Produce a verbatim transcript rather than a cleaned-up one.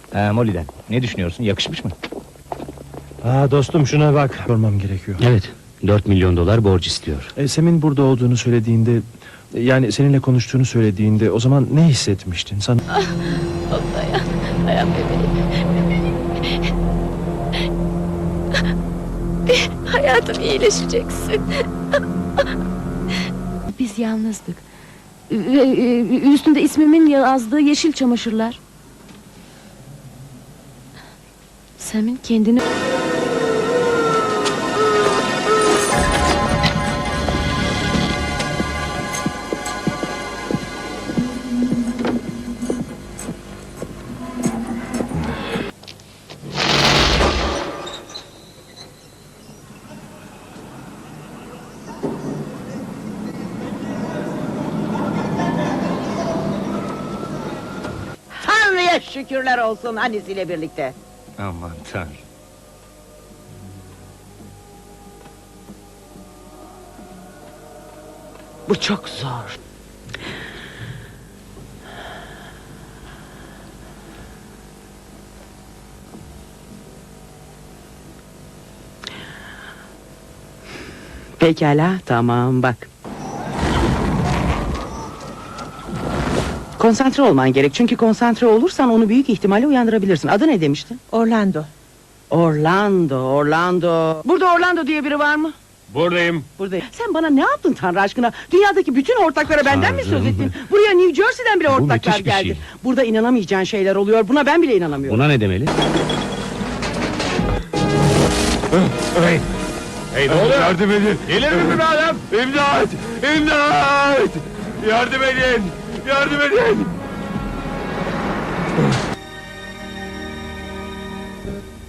Ee, Molly'den. Ne düşünüyorsun? Yakışmış mı? Aa dostum şuna bak. Sormam gerekiyor. Evet, dört milyon dolar borç istiyor. E, Sem'in burada olduğunu söylediğinde, e, yani seninle konuştuğunu söylediğinde, o zaman ne hissetmiştin? Sana Oh, dayan, dayan bebeğim. Bebeğim. Hayatım, iyileşeceksin. Biz yalnızdık. Ve e, üstünde ismimin yazdığı yeşil çamaşırlar. Sam'in kendini... Tanrı'ya şükürler olsun annesiyle birlikte. Aman Tanrım. Bu çok zor. Pekala, tamam bak. Konsantre olman gerek, çünkü konsantre olursan onu büyük ihtimalle uyandırabilirsin. Adı ne demiştin? Orlando. Orlando, Orlando. Burada Orlando diye biri var mı? Buradayım. Buradayım. Sen bana ne yaptın Tanrı aşkına? Dünyadaki bütün ortaklara benden mi söz Tanrım. ettin? Buraya New Jersey'den bile Bu ortaklar müthiş bir geldi. şey. Burada inanamayacağın şeyler oluyor. Buna ben bile inanamıyorum. Buna ne demeli? Hey! Hey ne oluyor? Yardım edin! Gelir misin be adam? İmdat! İmdat! Yardım edin! Yardım edin!